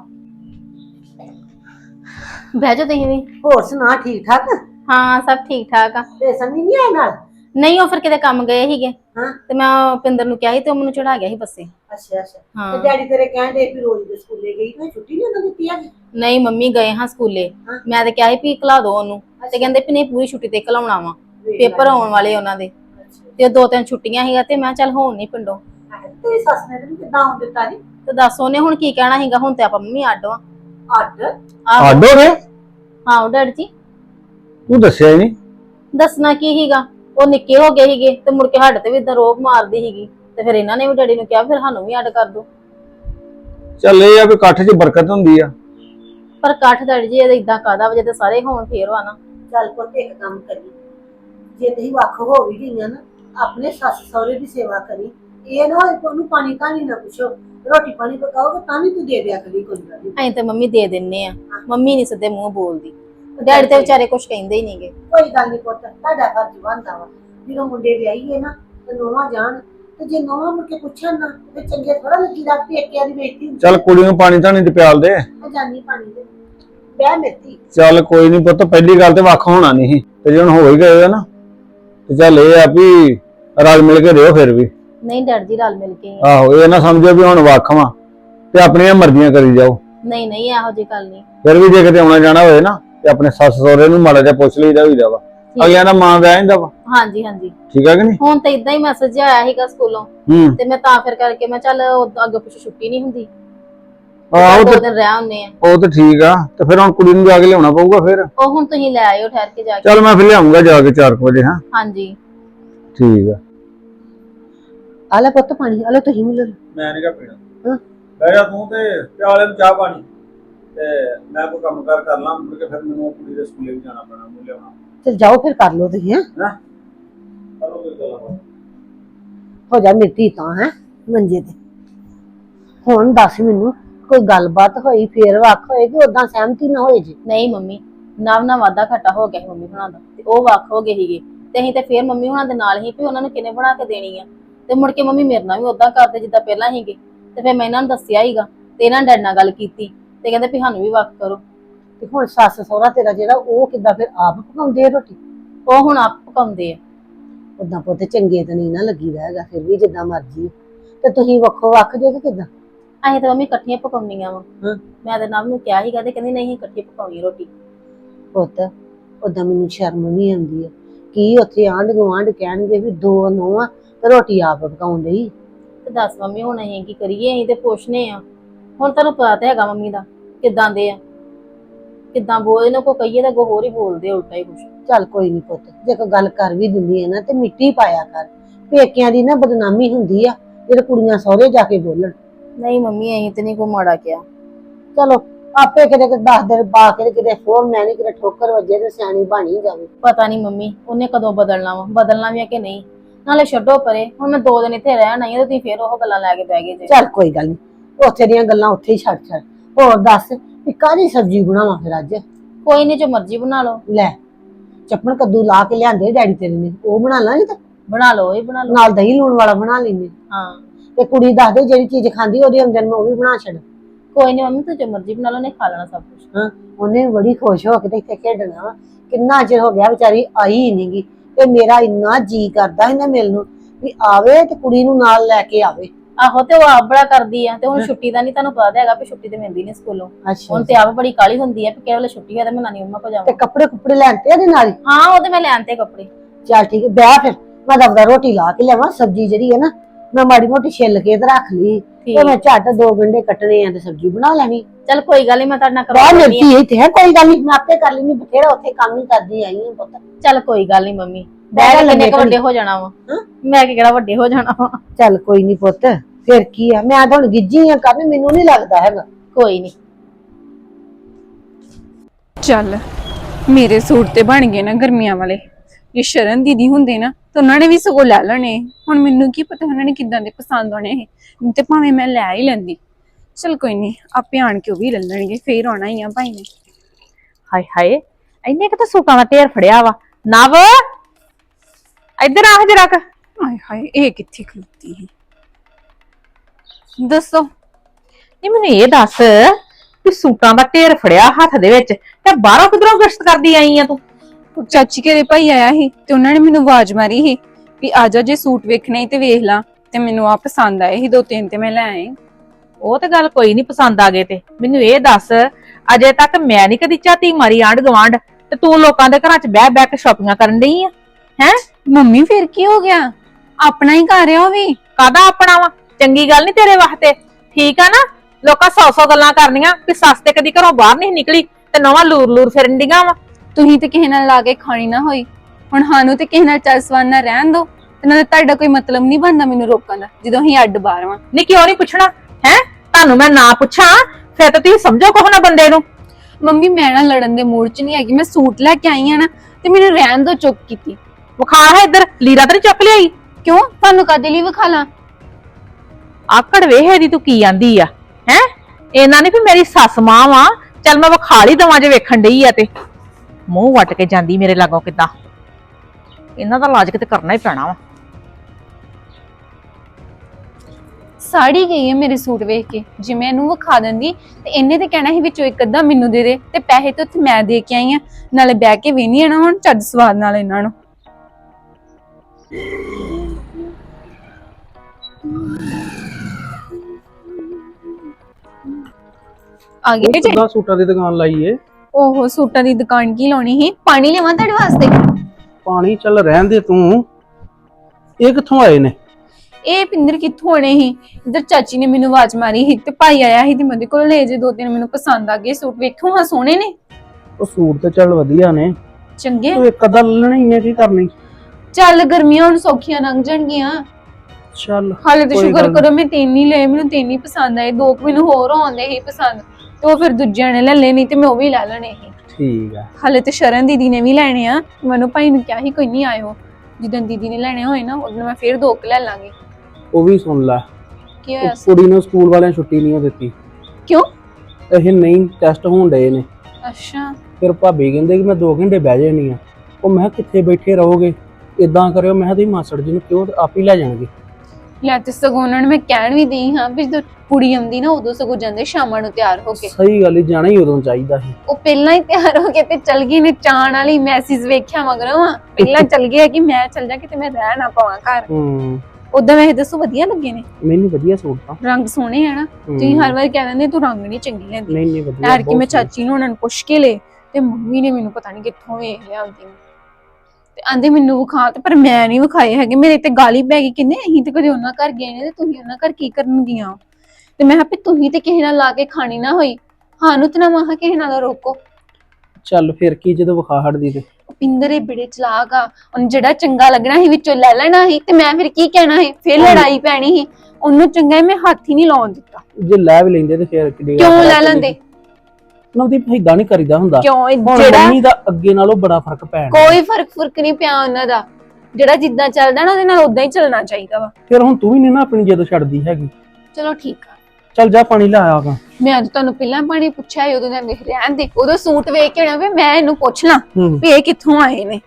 ਬਹਿ ਜਾਓ ਤੁਸੀਂ ਵੀ। ਹੋਰ ਸੁਣਾ? ਠੀਕ ਠਾਕ ਹਾਂ ਸਭ ਠੀਕ ਠਾਕ ਆ। ਤੇ ਸੰਨੀ ਨਹੀਂ ਆਏ ਨਾਲ? ਨਹੀਂ ਉਹ ਫਿਰ ਕਿਤੇ ਕੰਮ ਗਏ ਸੀਗੇ ਹਾਂ ਤੇ ਮੈਂ ਪਿੰਦਰ ਨੂੰ ਕਿਹਾ ਸੀ ਤੇ ਉਹ ਮੈਨੂੰ ਚੜਾ ਗਿਆ ਸੀ ਬੱਸੇ। ਅੱਛਾ ਅੱਛਾ। ਹਾਂ। ਤੇ ਡੈਡੀ ਤੇਰੇ ਕਹਿੰਦੇ ਵੀ ਰੋਜ਼ ਦੇ ਸਕੂਲੇ ਗਈ, ਤੂੰ ਛੁੱਟੀ ਨਹੀਂ ਉਹਨਾਂ ਦਿੱਤੀ ਹੈਗੀ? ਨਹੀਂ ਮੰਮੀ ਗਏ ਹਾਂ ਸਕੂਲੇ। ਹਾਂ। ਮੈਂ ਤੇ ਕਿਹਾ ਸੀ ਵੀ ਘਲਾ ਦੋ ਉਹਨੂੰ, ਤੇ ਕਹਿੰਦੇ ਵੀ ਨਹੀਂ ਪੂਰੀ ਛੁੱਟੀ ਤੇ ਘਲਾਉਣਾ ਵਾ, ਪੇਪਰ ਆਉਣ ਵਾਲੇ ਉਹਨਾਂ ਦੇ, ਤੇ 2-3 ਛੁੱਟੀਆਂ ਸੀਗਾ ਤੇ ਮੈਂ ਚੱਲ ਹੋਣ ਨਹੀਂ ਪਿੰਡੋਂ। ਤੇਰੀ ਸੱਸ ਨੇ ਤੈਨੂੰ ਕਿੱਦਾਂ ਆਉਣ ਦਿੱਤਾ ਨੀ? ਤੇ ਦੱਸ ਉਹਨੇ ਹੁਣ ਕੀ ਕਹਿਣਾ ਸੀਗਾ, ਹੁਣ ਤੇ ਆਪਾਂ ਮੰਮੀ ਅੱਡ ਵਾ। ਅੱਡ? ਆਹੋ। ਅੱਡ ਹੋ ਗਏ? ਹਾਂ ਡੈਡੀ ਜੀ। ਤੂੰ ਦੱਸਿਆ ਹੀ ਨਹੀਂ। ਦੱਸਣਾ ਕੀ ਸੀਗਾ, ਉਹ ਨਿੱਕੇ ਹੋ ਗਏ ਸੀਗੇ ਤੇ ਮੁੜ ਕੇ ਸਾਡੇ ਤੇ ਵੀ ਇਦਾਂ ਰੋਬ ਮਾਰਦੀ ਸੀਗੀ, ਤੇ ਫਿਰ ਇਹਨਾਂ ਨੇ ਵੀ ਡੈਡੀ ਨੂੰ ਕਿਹਾ ਫਿਰ ਸਾਨੂੰ ਵੀ ਅੱਡ ਕਰ ਦੋ। ਚੱਲ ਇਹ ਆ ਵੀ ਇਕੱਠ 'ਚ ਬਰਕਤ ਹੁੰਦੀ ਆ। ਪਰ ਕੱਠ ਡੈਡੀ ਜੀ ਇਹਦਾ ਇਦਾਂ ਕਾਦਾ ਵਜੇ ਤੇ ਸਾਰੇ ਹੋਣ ਫੇਰ ਵਾ ਨਾ। ਚੱਲ ਪੁੱਤ ਇੱਕ ਕੰਮ ਕਰੀ, ਜੇ ਤੁਸੀਂ ਵੱਖ ਹੋ ਵੀ ਗਈਆਂ ਨਾ, ਆਪਣੇ ਸੱਸ ਸਹੁਰੇ ਦੀ ਸੇਵਾ ਕਰੀ। ਇਹ ਨਾ ਹੋਏ ਕਿ ਉਹਨੂੰ ਪਾਣੀ ਧਾਣੀ ਨਾ ਪੁੱਛੋ, ਰੋਟੀ ਪਾਣੀ ਪਕਾਓਗੇ ਤਾਂ ਵੀ ਤੂੰ ਦੇ ਦਿਆ ਕਰੀ, ਕੋਈ ਗੱਲ ਨਹੀਂ। ਅਸੀਂ ਤੇ ਮੰਮੀ ਦੇ ਦਿੰਨੇ ਆ, ਮੰਮੀ ਨਹੀਂ ਸਿੱਧੇ ਮੂੰਹ ਬੋਲਦੀ, ਡੈਡੀ ਤੇ ਵਿਚਾਰੇ ਕੁਝ ਕਹਿੰਦੇ ਹੀ ਨਹੀਂਗੇ। ਕੋਈ ਗੱਲ ਨਹੀਂ ਪੁੱਤ, ਤੁਹਾਡਾ ਫਰਜ਼ ਬਣਦਾ ਵਾ ਜਦੋਂ ਮੁੰਡੇ ਵਿਆਹੀਏ ਨਾ ਤੇ ਨੋਹਾਂ ਜਾਣ, ਤੇ ਜੇ ਨੋਹਾਂ ਮੁੜ ਕੇ ਪੁੱਛਣ ਨਾ ਤੇ ਚੰਗੇ ਥੋੜਾ ਲੱਗੀਦਾ, ਪੇਕਿਆਂ ਦੀ ਬੇਇੱਜ਼ਤੀ ਹੁੰਦੀ। ਚੱਲ ਕੁੜੀ ਨੂੰ ਪਾਣੀ ਧਾਣੀ ਤੇ ਪਿਆਲ ਦੇ। ਮੈਂ ਜਾਨੀ ਪਾਣੀ ਦੇ ਬਹਿ ਮੇਤੀ। ਚੱਲ ਕੋਈ ਨਹੀਂ ਪੁੱਤ, ਪਹਿਲੀ ਗੱਲ ਤੇ ਵੱਖ ਹੋਣਾ ਨਹੀਂ ਸੀ, ਤੇ ਜੇ ਹੁਣ ਹੋ ਹੀ ਗਏ ਆ ਨਾ ਤੇ ਚੱਲ ਇਹ ਆ ਵੀ ਰਲ ਮਿਲ ਕੇ ਰਹੋ ਫਿਰ ਵੀ। ਨਹੀਂ ਡੈਡੀ ਜੀ ਰਲ ਮਿਲ ਕੇ ਹੀ ਆ। ਆਹੋ ਇਹ ਨਾ ਸਮਝੋ ਵੀ ਹੁਣ ਵੱਖ ਵਾਂ ਤੇ ਆਪਣੀਆਂ ਮਰਜ਼ੀਆਂ ਕਰੀ ਜਾਓ। ਨਹੀਂ ਨਹੀਂ ਇਹੋ ਜਿਹੀ ਗੱਲ ਨਹੀਂ। ਫਿਰ ਵੀ ਜੇ ਕਿਤੇ ਆਉਣਾ ਜਾਣਾ ਹੋਏ ਨਾ ਤੇ ਆਪਣੇ ਸੱਸ ਸਹੁਰੇ ਨੂੰ ਮਾੜਾ ਜਿਹਾ ਪੁੱਛ ਲਈਦਾ ਹੋਈਦਾ ਵਾ, ਅਗਲਿਆਂ ਦਾ ਮਾਂ ਵਿਆਹ ਜਾਂਦਾ ਵਾ। ਹਾਂਜੀ ਹਾਂਜੀ ਠੀਕ ਆ ਕਿ ਨਹੀਂ? ਹੁਣ ਤਾਂ ਇਦਾਂ ਹੀ ਮੈਸੇਜ ਆਇਆ ਸੀਗਾ ਸਕੂਲੋਂ, ਤੇ ਮੈਂ ਤਾਂ ਫਿਰ ਕਰਕੇ ਮੈਂ ਚੱਲ ਅੱਗੇ ਪਿੱਛੇ ਛੁੱਟੀ ਨਹੀਂ ਹੁੰਦੀ, ਆਹੋ 2 ਤੇ ਦਿਨ ਰਹਿ ਹੁੰਨੇ ਆ। ਉਹ ਤੇ ਠੀਕ ਆ, ਤੇ ਫਿਰ ਹੁਣ ਕੁੜੀ ਨੂੰ ਜਾ ਕੇ ਲਿਆਉਣਾ ਪਊਗਾ ਫਿਰ। ਉਹ ਹੁਣ ਤੁਸੀਂ ਲੈ ਆਇਓ ਠਹਿਰ ਕੇ ਜਾ ਕੇ। ਚੱਲ ਮੈਂ ਫਿਰ ਲਿਆਉਂਗਾ ਜਾ ਕੇ 4 ਵਜੇ। ਹਾਂ ਹਾਂਜੀ ਠੀਕ ਆ। ਆ ਲੈ ਪੁੱਤ ਪਾਣੀ, ਆ ਲੈ ਤੁਸੀਂ ਵੀ ਲੈ ਲਓ। ਮੈਂ ਨਹੀਂ ਗਾ ਪੀਣਾ। ਹਾਂ। ਬਹਿ ਜਾ ਤੂੰ ਤੇ ਪਿਆਲੇ ਨੂੰ ਚਾਹ ਪਾਣੀ, ਤੇ ਮੈਂ ਕੋਈ ਕੰਮ ਕਾਰ ਕਰ ਲਾਂ, ਮੁੜ ਕੇ ਫਿਰ ਮੈਨੂੰ ਕੁੜੀ ਦੇ ਸਕੂਲੇ ਵੀ ਜਾਣਾ ਪੈਣਾ, ਉਹਨੂੰ ਲਿਆਉਣਾ। ਚਲ ਜਾਓ ਫਿਰ ਕਰ ਲਓ ਤੁਸੀਂ। ਚਲੋ ਕੋਈ ਗੱਲ ਨਹੀਂ। ਹੋ ਜਾ ਮਿੱਟੀ ਤਾਂ ਹੈ ਮੰਜੇ ਤੇ। ਹੁਣ ਦੱਸ ਮੈਨੂੰ, ਕੋਈ ਗੱਲਬਾਤ ਹੋਈ ਫੇਰ ਵੱਖ ਹੋਏ ਕਿ ਉਦਾਂ ਸਹਿਮਤੀ ਨਾ ਹੋਏ ਜੀ? ਨਹੀਂ ਮੰਮੀ, ਨਾ ਵਾਦਾ ਘਟਾ ਹੋ ਗਿਆ ਸੀ ਮੰਮੀ ਹੁਣਾਂ ਦਾ, ਤੇ ਉਹ ਵੱਖ ਹੋ ਗਏ ਸੀਗੇ, ਤੇ ਅਸੀਂ ਤੇ ਫੇਰ ਮੰਮੀ ਹੁਣਾਂ ਦੇ ਨਾਲ ਹੀ ਵੀ ਉਹਨਾਂ ਨੂੰ ਕਿਨੇ ਬਣਾ ਕੇ ਦੇਣੀ ਆ, ਤੇ ਮੁੜ ਕੇ ਮੰਮੀ ਮੇਰੇ ਨਾਲ ਵੀ ਉਦਾਂ ਕਰਦੇ ਜਿੱਦਾਂ ਪਹਿਲਾਂ ਸੀਗੇ, ਤੇ ਫਿਰ ਮੈਂ ਇਹਨਾਂ ਨੂੰ ਦੱਸਿਆ ਹੀਗਾ, ਤੇ ਇਹਨਾਂ ਡੈਡ ਨਾਲ ਗੱਲ ਕੀਤੀ, ਤੇ ਕਹਿੰਦੇ ਵੀ ਸਾਨੂੰ ਵੀ ਵੱਖ ਕਰੋ। ਤੇ ਹੁਣ ਸੱਸ ਸਹੁਰਾ ਤੇਰਾ ਜਿਹੜਾ ਉਹ ਕਿੱਦਾਂ ਫਿਰ ਆਪ ਪਕਾਉਂਦੇ ਆ ਰੋਟੀ? ਉਹ ਹੁਣ ਆਪ ਪਕਾਉਂਦੇ ਆ। ਉਦਾਂ ਪੁੱਤ ਚੰਗੇ ਤਾਂ ਨਹੀਂ ਨਾ ਲੱਗੀਦਾ ਹੈਗਾ, ਫਿਰ ਵੀ ਜਿੱਦਾਂ ਮਰਜ਼ੀ। ਤੇ ਤੁਸੀਂ ਵੱਖੋ ਵੱਖ ਜੇ ਕਿ ਕਿੱਦਾਂ? ਅਸੀਂ ਤਾਂ ਮੰਮੀ ਇਕੱਠੀਆਂ ਪਕਾਉਂਦੀਆਂ ਵਾ। ਹਾਂ। ਮੈਂ ਤੇ ਨਵ ਨੂੰ ਕਿਹਾ ਸੀਗਾ ਤੇ ਕਹਿੰਦੀ ਨਹੀਂ ਇਕੱਠੀ ਪਕਾਉਣੀ ਰੋਟੀ। ਪੁੱਤ ਉਦਾਂ ਮੈਨੂੰ ਸ਼ਰਮ ਨਹੀਂ ਆਉਂਦੀ ਹੈ, ਕੀ ਉੱਥੇ ਆਂਢ ਗੁਆਂਢ ਕਹਿਣਗੇ ਵੀ 2 ਨੂੰਹਾਂ ਤੇ ਰੋਟੀ ਆਪ ਪਕਾਉਂਦੇ ਹੀ। ਤੇ ਦੱਸ ਮੰਮੀ ਹੁਣ ਅਸੀਂ ਕੀ ਕਰੀਏ, ਅਸੀਂ ਤੇ ਪੁੱਛਨੇ ਆ। ਹੁਣ ਤੁਹਾਨੂੰ ਪਤਾ ਤੇ ਹੈਗਾ ਮੰਮੀ ਦਾ ਕਿੱਦਾਂ ਦੇ ਆ, ਕਿੱਦਾਂ ਬੋਲਦੇ ਨੇ, ਕੋ ਕਹੀਏ ਤਾਂ ਅੱਗੋਂ ਹੋਰ ਹੀ ਬੋਲਦੇ ਉਲਟਾ ਹੀ ਕੁਛ। ਚੱਲ ਕੋਈ ਨਹੀਂ ਪੁੱਤ, ਜੇ ਕੋਈ ਗੱਲ ਕਰ ਵੀ ਦਿੰਦੀ ਹੈ ਨਾ ਤੇ ਮਿੱਟੀ ਪਾਇਆ ਕਰ। ਪੇਕਿਆਂ ਦੀ ਨਾ ਬਦਨਾਮੀ ਹੁੰਦੀ ਆ ਜਿਹੜੇ ਕੁੜੀਆਂ ਸਹੁਰੇ ਜਾ ਕੇ ਬੋਲਣ। ਨਹੀਂ ਮੰਮੀ ਅਸੀਂ ਤੇ ਨਹੀਂ ਕੋ ਮਾੜਾ ਕਿਹਾ। ਚਲੋ ਆਪੇ ਕਿਤੇ 10 ਦਿਨ ਪਾ ਕੇ ਕਿਤੇ ਫੋਨ ਮੈਂ ਨਹੀਂ ਕਿਤੇ ਠੋਕਰ ਵੱਜੇ ਤੇ ਸਿਆਣੀ ਬਣੀ ਜਾਵੇ। ਪਤਾ ਨਹੀਂ ਮੰਮੀ ਉਹਨੇ ਕਦੋਂ ਬਦਲਣਾ ਵਾ, ਬਦਲਣਾ ਵੀ ਆ ਕਿ ਨਹੀਂ। ਨਾਲੇ ਛੱਡੋ ਪਰੇ, ਹੁਣ ਮੈਂ 2 ਦਿਨ ਇੱਥੇ ਰਹਿਣਾ ਹੀ ਆ ਤੇ ਤੁਸੀਂ ਫੇਰ ਉਹ ਗੱਲਾਂ ਲੈ ਕੇ ਬਹਿ ਗਏ ਜੇ। ਚੱਲ ਕੋਈ ਗੱਲ ਨਹੀਂ, ਉੱਥੇ ਦੀਆਂ ਗੱਲਾਂ ਉੱਥੇ ਹੀ ਛੱਡ। ਹੋਰ ਦੱਸ ਵੀ ਕਾਹਦੀ ਸਬਜ਼ੀ ਬਣਾਵਾਂ ਫਿਰ ਅੱਜ। ਕੋਈ ਨਹੀਂ, ਜੋ ਮਰਜ਼ੀ ਬਣਾ ਲਓ। ਲੈ ਚੱਪਣ ਕੱਦੂ ਲਾ ਕੇ ਲਿਆਂਦੇ ਡੈਡੀ ਤੇਰੇ ਨੇ, ਉਹ ਬਣਾ ਲਾਂਗੇ ਤੇ ਬਣਾ ਲਓ, ਇਹ ਬਣਾ ਲਓ। ਨਾਲ ਦਹੀਂ ਲੂਣ ਵਾਲਾ ਬਣਾ ਲੈਂਦੇ। ਹਾਂ ਤੇ ਕੁੜੀ ਦੱਸ ਦੇ ਜਿਹੜੀ ਚੀਜ਼ ਖਾਂਦੀ ਉਹਦੇ ਅੰਦਰ ਨੂੰ ਉਹ ਵੀ ਬਣਾ ਛੱਡ। ਕੋਈ ਨਹੀਂ ਮੰਮੀ, ਤੂੰ ਜੋ ਮਰਜ਼ੀ ਬਣਾ ਲਓ, ਨੇ ਖਾ ਲੈਣਾ ਸਭ ਕੁਝ। ਹਾਂ ਉਹਨੇ ਬੜੀ ਖੁਸ਼ ਹੋ ਕੇ ਤੇ ਇੱਥੇ ਖੇਡਣਾ ਵਾ। ਕਿੰਨਾ ਚਿਰ ਹੋ ਗਿਆ ਵਿਚਾਰੀ ਆਈ ਹੀ ਨਹੀਂਗੀ ਤੇ ਮੇਰਾ ਇੰਨਾ ਜੀ ਕਰਦਾ ਇਹਨੇ ਮਿਲਣ ਨੂੰ ਵੀ ਆਵੇ ਤੇ ਕੁੜੀ ਨੂੰ ਨਾਲ ਲੈ ਕੇ ਆਵੇ। ਆਹੋ, ਤੇ ਉਹ ਆਪ ਬੜਾ ਕਰਦੀ ਆ। ਤੇ ਹੁਣ ਛੁੱਟੀ ਦਾ ਨਹੀਂ ਤੁਹਾਨੂੰ ਪਤਾ ਹੈਗਾ ਵੀ ਛੁੱਟੀ ਤੇ ਮਿਲਦੀ ਨਹੀਂ ਸਕੂਲੋਂ। ਅੱਛਾ ਹੁਣ ਤੇ ਆਪ ਬੜੀ ਕਾਲੀ ਹੁੰਦੀ ਆ ਕਿ ਕਿਹੜੇ ਵੇਲੇ ਛੁੱਟੀ ਹੋਵੇ ਤੇ ਮੈਂ ਨਾਨੀ ਮੰਮਾ ਕੋ ਤੇ ਜਾਵਾਂ। ਕੱਪੜੇ ਕੁੱਪੜੇ ਲੈਣਤੇ ਇਹਦੇ ਨਾਲ ਹੀ। ਹਾਂ, ਉਹਦੇ ਮੈਂ ਲੈਣ ਤੇ ਕੱਪੜੇ। ਚੱਲ ਠੀਕ ਹੈ, ਬਹਿ ਫਿਰ ਮੈਂ ਦਬਦਾ ਰੋਟੀ ਲਾ ਕੇ ਲਿਆਵਾਂ। ਸਬਜ਼ੀ ਜਿਹੜੀ ਹੈ ਨਾ ਮੈਂ ਮਾੜੀ ਮੋਟੀ ਛਿੱਲ ਕੇ ਤੇ ਰੱਖ ਲਈ ਤੇ ਮੈਂ ਝੱਟ 2 ਗੰਢੇ ਕੱਟਣੇ ਆ ਤੇ ਸਬਜ਼ੀ ਬਣਾ ਲੈਣੀ। ਚੱਲ ਕੋਈ ਗੱਲ ਨਹੀਂ, ਮੈਂ ਤੁਹਾਡੇ ਨਾਲ ਬਹਿ ਕਰਵਾ ਲੈਂਦੀ ਮਿਲਦੀ ਇੱਥੇ ਹੈ, ਕੋਈ ਗੱਲ ਨਹੀਂ, ਮੈਂ ਆਪੇ ਕਰ ਲੈਣੀ। ਬਥੇਰਾ ਉੱਥੇ ਕੰਮ ਹੀ ਕਰਦੀ ਆਈ ਹਾਂ ਪੁੱਤ। ਚੱਲ ਕੋਈ ਗੱਲ ਨਹੀਂ ਮੰਮੀ, ਬਹਿ ਬਹਿ ਲੈ ਕਿੰਨੇ ਕੁ ਘੜੀ। ਵੱਡੇ ਹੋ ਜਾਣਾ ਵਾ। ਮੈਂ ਕਿਹੜਾ ਵੱਡੇ ਹੋ ਜਾਣਾ ਵਾ। ਚੱਲ ਕੋਈ ਨਹੀਂ ਪੁੱਤ, ਫਿਰ ਕੀ ਆ, ਮੈਂ ਤਾਂ ਹੁਣ ਗਿੱਜੀ ਆ ਕਰਨ, ਮੈਨੂੰ ਨਹੀਂ ਲੱਗਦਾ ਹੈਗਾ। ਕੋਈ ਨਹੀਂ। ਚੱਲ ਮੇਰੇ ਸੂਟ ਤੇ ਬਣ ਗਏ ਨਾ ਗਰਮੀਆਂ ਵਾਲੇ। ਜੇ ਸ਼ਰਨ ਦੀਦੀ ਹੁੰਦੇ ਨਾ ਤਾਂ ਉਹਨਾਂ ਨੇ ਵੀ ਸਗੋਂ ਲੈ ਲੈਣੇ। ਹੁਣ ਮੈਨੂੰ ਕੀ ਪਤਾ ਉਹਨਾਂ ਨੇ ਕਿੱਦਾਂ ਦੇ ਪਸੰਦ ਆਉਣੇ ਇਹ, ਤੇ ਭਾਵੇਂ ਮੈਂ ਲੈ ਹੀ ਲੈਂਦੀ। ਚਲ ਕੋਈ ਨਹੀਂ, ਆਪੇ ਆਣ ਕੇ ਉਹ ਵੀ ਲੈ ਲੈਣਗੇ, ਫੇਰ ਆਉਣਾ ਹੀ ਆ ਭਾਈ ਨੇ। ਹਾਏ ਹਾਏ, ਇੰਨੇ ਕਿ ਤਾਂ ਸੂਟਾਂ ਦਾ ਢੇਰ ਫੜਿਆ ਵਾ। ਨਵ ਇੱਧਰ ਆ ਜਰਾ ਕ। ਹਾਏ ਹਾਏ, ਇਹ ਕਿੱਥੇ ਖਲੋਤੀ ਸੀ? ਦੱਸੋ। ਨਹੀਂ ਮੈਨੂੰ ਇਹ ਦੱਸ ਵੀ ਸੂਟਾਂ ਦਾ ਢੇਰ ਫੜਿਆ ਹੱਥ ਦੇ ਵਿੱਚ ਤੇ ਬਾਹਰੋਂ ਕਿਧਰੋਂ ਗਸ਼ਤ ਕਰਦੀ ਆਈ ਆ ਤੂੰ? ਚਾਚੀ ਘਰੇ ਭਾਈ ਆਇਆ ਸੀ ਤੇ ਉਹਨਾਂ ਨੇ ਮੈਨੂੰ ਆਵਾਜ਼ ਮਾਰੀ ਸੀ ਵੀ ਆ ਜਾ, ਜੇ ਸੂਟ ਵੇਖਣੇ ਹੀ ਤੇ ਵੇਖ ਲਾ। ਤੇ ਮੈਨੂੰ ਆ ਪਸੰਦ ਆਏ ਸੀ 2-3 ਤੇ ਮੈਂ ਲੈ ਆਈ। ਉਹ ਤੇ ਗੱਲ ਕੋਈ ਨਹੀਂ, ਪਸੰਦ ਆ ਗਏ ਤੇ ਮੈਨੂੰ ਇਹ ਦੱਸ, ਅਜੇ ਤੱਕ ਮੈਂ ਨਹੀਂ ਕਦੀ ਝਾਤੀ ਮਾਰੀ ਆਂਢ ਗੁਆਂਢ ਤੇ ਤੂੰ ਲੋਕਾਂ ਦੇ ਘਰਾਂ 'ਚ ਬਹਿ ਬਹਿ ਕੇ ਸ਼ਾਪਿੰਗਾਂ ਕਰਨ ਡਈ ਆ ਹੈ? ਮੰਮੀ ਫਿਰ ਕੀ ਹੋ ਗਿਆ? ਆਪਣਾ ਹੀ ਕਰ ਰਿਹਾ ਉਹ ਵੀ। ਕਾਹਦਾ ਆਪਣਾ ਵਾ? ਚੰਗੀ ਗੱਲ ਨਹੀਂ ਤੇਰੇ ਵਾਸਤੇ, ਠੀਕ ਆ ਨਾ? ਲੋਕਾਂ 100 ਗੱਲਾਂ ਕਰਨੀਆਂ ਕਿ ਸੱਸ ਤੇ ਕਦੀ ਘਰੋਂ ਬਾਹਰ ਨਹੀਂ ਨਿਕਲੀ ਤੇ ਨਵਾਂ ਲੂਰ ਫਿਰਨ ਡੀਆਂ ਵਾ। ਤੁਸੀਂ ਤੇ ਕਿਸੇ ਨਾਲ ਲਾ ਕੇ ਖਾਣੀ ਨਾ ਹੋਈ, ਹੁਣ ਸਾਨੂੰ ਤੇ ਕਿਸੇ ਨਾਲ ਚੱਲ ਸਵਾਨ ਨਾ ਰਹਿਣ ਦੋ। ਤੇ ਨਾਲੇ ਤੁਹਾਡਾ ਕੋਈ ਮਤਲਬ ਨਹੀਂ ਬਣਦਾ ਮੈਨੂੰ ਰੋਕਣ ਦਾ ਜਦੋਂ ਅਸੀਂ ਅੱਡ ਬਾਹਰ ਵਾਂ। ਨਹੀਂ ਕਿਉਂ ਨਹੀਂ ਪੁੱਛਣਾ ਹੈ? ਤੁਹਾਨੂੰ ਮੈਂ ਨਾ ਪੁੱਛਾਂ ਫਿਰ ਤਾਂ ਤੁਸੀਂ ਸਮਝੋ ਕੋਹ ਨਾ ਬੰਦੇ ਨੂੰ। ਮੰਮੀ ਮੈਂ ਨਾ ਲੜਨ ਦੇ ਮੂਡ 'ਚ ਨਹੀਂ ਹੈਗੀ। ਮੈਂ ਸੂਟ ਲੈ ਕੇ ਆਈ ਆ ਨਾ ਤੇ ਮੈਨੂੰ ਰਹਿਣ ਦੋ ਚੁੱਕ ਕੀਤੀ। ਵਿਖਾ ਹੈ ਇੱਧਰ, ਲੀਰਾ ਤਾਂ ਨੀ ਚੁੱਕ ਲਿਆਈ? ਕਿਉਂ, ਤੁਹਾਨੂੰ ਕਾਹਦੇ ਲਈ ਵਿਖਾ ਲਾਂ? ਆਕੜ ਵੇਹੇ ਦੀ ਤੂੰ ਕੀ ਆਂਦੀ ਆ ਹੈ? ਇਹਨਾਂ ਨੇ ਵੀ ਮੇਰੀ ਸੱਸ ਮਾਂ ਵਾ, ਚੱਲ ਮੈਂ ਵਿਖਾ ਲਈ ਦਵਾਂ ਜੇ ਵੇਖਣ ਡਈ ਆ ਤੇ ਮੂੰਹ ਵੱਟ ਕੇ ਜਾਂਦੀ ਮੇਰੇ ਲਾਗੋਂ ਕਿੱਦਾਂ। ਇਹਨਾਂ ਦਾ ਇਲਾਜ ਕਿਤੇ ਕਰਨਾ ਹੀ ਪੈਣਾ ਵਾ। ਸਾੜੀ ਗਈ ਹੈ ਮੇਰੇ ਸੂਟ ਵੇਖ ਕੇ। ਜੇ ਮੈਂ ਇਹਨੂੰ ਵਿਖਾ ਦਿੰਦੀ ਤੇ ਇਹਨੇ ਤੇ ਕਹਿਣਾ ਸੀ ਵਿੱਚੋਂ ਇੱਕ ਅੱਧਾ ਮੈਨੂੰ ਦੇ ਦੇ, ਤੇ ਪੈਸੇ ਤਾਂ ਉੱਥੇ ਮੈਂ ਦੇ ਕੇ ਆਈ ਆ। ਨਾਲੇ ਬਹਿ ਕੇ ਵੀ ਨਹੀਂ ਆਣਾ ਹੁਣ ਚੱਜ ਸਵਾਦ ਨਾਲ ਇਹਨਾਂ ਨੂੰ। ਆ ਗਏ ਜੇ? ਕਿੱਦਾਂ ਸੂਟਾਂ ਦੀ ਦੁਕਾਨ ਲਾਈ ਏ? ਓਹੋ, ਸੂਟਾਂ ਦੀ ਦੁਕਾਨ ਕੀ ਲਾਉਣੀ ਸੀ? ਪਾਣੀ ਲਿਆਵਾਂ ਤੁਹਾਡੇ ਵਾਸਤੇ? ਪਾਣੀ ਚੱਲ ਰਹਿਣ ਦੇ ਤੂੰ। ਇਹ ਕਿੱਥੋਂ ਆਏ ਨੇ? ਇਹ ਪਿੰਦਰ ਕਿੱਥੋਂ ਆਣੇ ਸੀ? ਇਧਰ ਚਾਚੀ ਨੇ ਮੈਨੂੰ ਆਵਾਜ਼ ਮਾਰੀ ਸੀ ਤੇ ਭਾਈ ਆਇਆ ਸੀ ਤੇ ਮੈਂ ਉਹਦੇ ਕੋਲ ਲੈ ਜੇ 2-3 ਮੈਨੂੰ ਪਸੰਦ ਆ ਗਏ ਸੂਟ। ਵੇਖੋ ਹਾਂ ਸੋਹਣੇ ਨੇ। ਉਹ ਸੂਟ ਤੇ ਚੱਲ ਵਧੀਆ ਨੇ, ਚੰਗੇ। ਤੂੰ ਇੱਕ ਅੱਧਾ ਲੈਣਾ ਹੀ ਹੈ, ਕੀ ਕਰਨੀ? ਚੱਲ ਗਰਮੀਆਂ ਹੁਣ ਸੌਖੀਆਂ ਲੰਘ ਜਾਣਗੀਆਂ। ਚੱਲ ਹਾਲੇ ਤੇ ਕੋਈ ਸ਼ੁਕਰ ਗੱਲ ਕਰੋ ਮੈਂ 3 ਹੀ ਲਏ, ਮੈਨੂੰ 3 ਹੀ ਪਸੰਦ ਆਏ। 2 ਮੈਨੂੰ ਹੋਰ ਆਉਂਦੇ ਹੀ ਪਸੰਦ ਤੇ ਉਹ ਫਿਰ ਦੂਜਿਆਂ ਨੇ ਲੈ ਲਏ, ਨਹੀਂ ਤੇ ਮੈਂ ਉਹ ਵੀ ਲੈ ਲੈਣੇ ਸੀ। ਠੀਕ ਆ। ਹਾਲੇ ਤੇ ਸ਼ਰਨ ਦੀਦੀ ਨੇ ਵੀ ਲੈਣੇ ਆ। ਮੈਨੂੰ ਭਾਈ ਨੂੰ ਕਿਹਾ ਸੀ ਕੋਈ ਨਹੀਂ ਆਇਓ, ਜਦੋਂ ਦੀਦੀ ਨੇ ਲੈਣੇ ਹੋਏ ਨਾ ਉਦੋਂ ਮੈਂ ਫਿਰ 2 ਲੈ ਲਾਂਗੀ। ਉਹ ਵੀ ਸੁਣ ਲੈ, ਕੀ ਹੋਇਆ? ਕੁੜੀ ਨੂੰ ਸਕੂਲ ਵਾਲਿਆਂ ਛੁੱਟੀ ਨਹੀਂ ਦਿੱਤੀ। ਕਿਉਂ? ਇਹ ਨਹੀਂ ਟੈਸਟ ਹੋਣ ਡਏ ਨੇ। ਅੱਛਾ। ਫਿਰ ਭਾਬੀ ਕਹਿੰਦੇ ਕਿ ਮੈਂ 2 ਘੰਟੇ ਬਹਿ ਜਾਣੀ ਆ। ਉਹ ਮੈਂ ਕਿਹਾ ਕਿੱਥੇ ਬੈਠੇ ਰਹੋਗੇ, ਇਦਾਂ ਕਰਿਓ, ਮੈਂ ਕਿਹਾ ਤੁਸੀਂ ਮਾਸੜ ਜੀ ਨੂੰ ਕਿਉਂ, ਆਪ ਹੀ ਲੈ ਜਾਣਗੇ। ਲੈ ਤੇ ਸਗੋਂ ਉਹਨਾਂ ਨੂੰ ਮੈਂ ਕਹਿਣ ਵੀ ਦਈ ਹਾਂ ਵੀ ਜਦੋਂ ਕੁੜੀ ਆਉਂਦੀ ਨਾ ਉਦੋਂ ਸਗੋਂ ਜਾਂਦੇ ਸ਼ਾਮਾਂ ਨੂੰ ਤਿਆਰ ਹੋ ਕੇ। ਸਹੀ ਗੱਲ ਹੀ, ਜਾਣਾ ਹੀ ਉਦੋਂ ਚਾਹੀਦਾ ਸੀ। ਉਹ ਪਹਿਲਾਂ ਹੀ ਤਿਆਰ ਹੋ ਕੇ ਤੇ ਚਲ ਗਈ ਨੇ। ਚਾਣ ਵਾਲੀ ਮੈਸੇਜ ਵੇਖਿਆ ਮਗਰੋਂ ਪਹਿਲਾਂ ਚਲ ਗਿਆ ਕਿ ਮੈਂ ਚਲ ਜਾ ਕਿਤੇ ਮੈਂ ਰਹਿ ਨਾ ਪਾਵਾਂ ਘਰ। ਉਦਾਂ ਵੈਸੇ ਦੱਸੋ ਵਧੀਆ ਲੱਗੇ ਨੇ? ਮੈਨੂੰ ਵਧੀਆ ਸੂਟ ਤਾਂ ਰੰਗ ਸੋਹਣੇ ਆ ਨਾ। ਤੁਸੀਂ ਹਰ ਵਾਰ ਕਹਿ ਦਿੰਦੇ ਤੂੰ ਰੰਗ ਨਹੀਂ ਚੰਗੀ ਲੈਂਦੀ। ਨਹੀਂ ਵਧੀਆ। ਯਾਰ ਕਿ ਮੈਂ ਚਾਚੀ ਨੂੰ ਉਹਨਾਂ ਨੂੰ ਪੁੱਛ ਕੇ ਲੈ ਤੇ ਮੰਮੀ ਨੇ ਮੈਨੂੰ ਪਤਾ ਨਹੀਂ ਕਿੱਥੋਂ ਵੇਖ ਲਿਆ ਆਉਂਦੀ ਤੇ ਆਂਦੇ ਮੈਨੂੰ ਵਿਖਾ, ਤੇ ਪਰ ਮੈਂ ਨਹੀਂ ਵਿਖਾਏ ਹੈਗੇ। ਮੇਰੇ ਤੇ ਗਾਲੀ ਪੈ ਗਈ, ਕਹਿੰਦੇ ਅਸੀਂ ਤੇ ਕਦੇ ਉਹਨਾਂ ਘਰ ਗਏ ਨੇ ਤੇ ਤੁਸੀਂ ਉਹਨਾਂ ਘਰ ਕੀ ਕਰਨ ਗਈਆਂ? ਤੇ ਮੈਂ ਕਿਹਾ ਵੀ ਤੁਸੀਂ ਤੇ ਕਿਸੇ ਨਾਲ ਲਾ ਕੇ ਖਾਣੀ ਨਾ ਹੋਈ, ਸਾਨੂੰ ਤੇ ਨਾ ਵਾਹ ਕਿਸੇ ਨਾਲ ਰੋਕੋ। ਚੱਲ ਫਿਰ ਕੀ, ਜਦੋਂ ਵਿਖਾ ਹਟਦੀ ਤੇ। ਪਿੰਦਰੇ ਬੜੇ ਚਲਾਕ ਆ, ਉਹਨੂੰ ਜਿਹੜਾ ਚੰਗਾ ਲੱਗਣਾ ਸੀ ਵਿੱਚੋਂ ਲੈ ਲੈਣਾ ਸੀ ਤੇ ਮੈਂ ਫਿਰ ਕੀ ਕਹਿਣਾ ਸੀ? ਫਿਰ ਲੜਾਈ ਪੈਣੀ ਸੀ। ਉਹਨੂੰ ਚੰਗਾ ਮੈਂ ਹੱਥ ਹੀ ਨਹੀਂ ਲਾਉਣ ਦਿੱਤਾ। ਜੇ ਲੈ ਵੀ ਲੈਂਦੇ ਤੇ ਫਿਰ ਕਿਉਂ ਲੈ ਲੈਂਦੇ? ਨਵਦੀਪ ਏਦਾਂ ਨਹੀਂ ਕਰੀਦਾ ਹੁੰਦਾ। ਕਿਉਂ? ਜਿਹੜਾ ਮੰਮੀ ਦਾ ਅੱਗੇ ਨਾਲੋਂ ਬੜਾ ਫਰਕ ਪੈਣਾ। ਕੋਈ ਫਰਕ ਨਹੀਂ ਪਿਆ ਉਹਨਾਂ ਦਾ। ਜਿਹੜਾ ਜਿੱਦਾਂ ਚੱਲਦਾ ਨਾ ਉਹਦੇ ਨਾਲ ਉਦਾਂ ਹੀ ਚੱਲਣਾ ਚਾਹੀਦਾ ਵਾ। ਫਿਰ ਹੁਣ ਤੂੰ ਵੀ ਨਹੀਂ ਨਾ ਆਪਣੀ ਜਿੱਦ ਛੱਡਦੀ ਹੈਗੀ। ਚਲੋ ਠੀਕ ਆ। ਚੱਲ ਜਾ ਪਾਣੀ ਲੈ ਆਗਾ। ਮੈਂ ਤਾਂ ਤੁਹਾਨੂੰ ਪਹਿਲਾਂ ਪਾਣੀ ਪੁੱਛਿਆ ਸੀ, ਉਦੋਂ ਦਾ ਮੇਰੇ ਰਹਿਣ ਦੇ ਉਦੋਂ ਸੂਟ ਵੇਖ ਕੇ ਆਉਣਾ ਵੀ ਮੈਂ ਇਹਨੂੰ ਪੁੱਛ ਲਾਂ ਵੀ ਇਹ ਕਿੱਥੋਂ ਆਏ ਨੇ।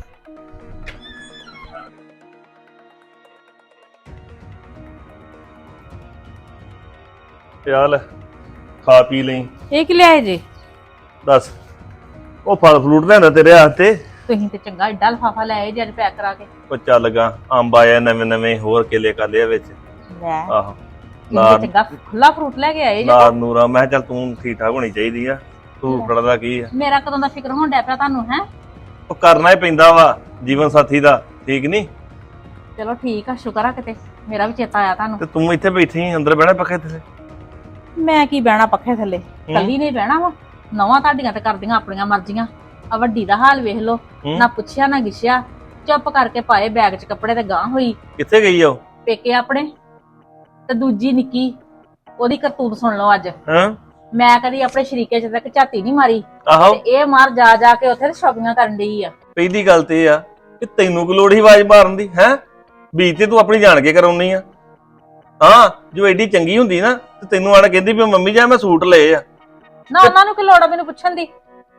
ਚੱਲ ਖਾ ਪੀ ਲਈ। ਇਹ ਕੀ ਲਿਆਏ ਜੇ? ਦੱਸ ਉਹ ਫਲ ਫਲੂਟ ਲੈਂਦਾ ਤੇਰੇ ਹੱਥੇ। ਤੁਸੀਂ ਤੇ ਚੰਗਾ ਏਡਾ ਲਫਾਫਾ ਲੈ ਆਏ ਜੇ ਅੱਜ ਪੈਕ ਕਰਾ ਕੇ। ਉਹ ਚੱਲ ਗਾ ਅੰਬ ਆਇਆ ਨਵੇਂ ਨਵੇਂ, ਹੋਰ ਕੇਲੇ ਕਾਲੇ ਆ ਵਿੱਚ। ਲੈ ਆਹੋ ਕਿੰਨੇ ਚੰਗਾ ਖੁੱਲਾ ਫਰੂਟ ਲੈ ਕੇ ਆਏ ਜੇ। ਨਾਰ ਨੂਰਾ ਮੈਂ ਕਿਹਾ ਚੱਲ ਤੂੰ ਠੀਕ ਠਾਕ ਹੋਣੀ ਚਾਹੀਦੀ ਆ, ਤੂੰ ਫੜਦਾ ਕੀ ਆ। ਮੇਰਾ ਕਦੋਂ ਦਾ ਫਿਕਰ ਹੋਣ ਡਿਆ ਪਿਆ ਤੁਹਾਨੂੰ ਹੈ। ਉਹ ਕਰਨਾ ਹੀ ਪੈਂਦਾ ਵਾ ਜੀਵਨ ਸਾਥੀ ਦਾ, ਠੀਕ ਨਹੀਂ? ਚਲੋ ਠੀਕ ਆ, ਸ਼ੁਕਰ ਆ ਕਿਤੇ ਮੇਰਾ ਵੀ ਚੇਤਾ ਆਇਆ ਤੁਹਾਨੂੰ। ਤੇ ਤੂੰ ਇੱਥੇ ਬੈਠੀ ਅੰਦਰ ਬਹਿਣਾ ਪੱਖੇ ਥੱਲੇ। ਮੈਂ ਕੀ ਬਹਿਣਾ ਪੱਖੇ ਥੱਲੇ, ਕੱਲੀ ਨਹੀਂ ਬਹਿਣਾ ਵਾ। ਨਵਾਂ ਤੁਹਾਡੀਆਂ ਤੇ ਕਰਦੀਆਂ ਆਪਣੀਆਂ ਮਰਜ਼ੀਆਂ। ਆ ਵੱਡੀ ਦਾ ਹਾਲ ਵੇਖ ਲੋ, ਨਾ ਪੁੱਛਿਆ ਨਾ ਗਿੱਛਿਆ, ਚੁੱਪ ਕਰਕੇ ਪਾਏ ਬੈਗ 'ਚ ਕੱਪੜੇ ਤੇ ਗਾਂ ਹੋਈ। ਕਿੱਥੇ ਗਈ ਆ ਉਹ? ਪੇਕੇ ਆਪਣੇ। ਤੇ ਦੂਜੀ ਨਿੱਕੀ, ਉਹਦੀ ਕਰਤੂਤ ਸੁਣ ਲਓ ਅੱਜ। ਹਾਂ ਮੈਂ ਕਦੀ ਆਪਣੇ ਸ਼ਰੀਕੇ 'ਚ ਤੱਕ ਝਾਤੀ ਨਹੀਂ ਮਾਰੀ, ਆਹੋ ਤੇ ਇਹ ਮਾਰ ਜਾ ਜਾ ਕੇ ਉੱਥੇ ਸ਼ਾਪਿੰਗਾਂ ਕਰਨ ਡਈ ਆ। ਪਹਿਲੀ ਗੱਲ ਤੇ ਇਹ ਆ ਕਿ ਤੈਨੂੰ ਕੀ ਲੋੜ ਸੀ ਆਵਾਜ਼ ਮਾਰਨ ਦੀ ਹੈ? ਬੀਜ ਤੇ ਤੂੰ ਆਪਣੀ ਜਾਣ ਕੇ ਕਰਾਉਣੀ ਆ। ਹਾਂ ਜੋ ਐਡੀ ਚੰਗੀ ਹੁੰਦੀ ਨਾ ਤੇ ਤੈਨੂੰ ਆਣ ਕਹਿੰਦੀ ਵੀ ਮੰਮੀ ਜਾ ਮੈਂ ਸੂਟ ਲਏ ਆ। ਨਾ ਉਹਨਾਂ ਨੂੰ ਕੀ ਲੋੜ ਆ ਮੈਨੂੰ ਪੁੱਛਣ ਦੀ?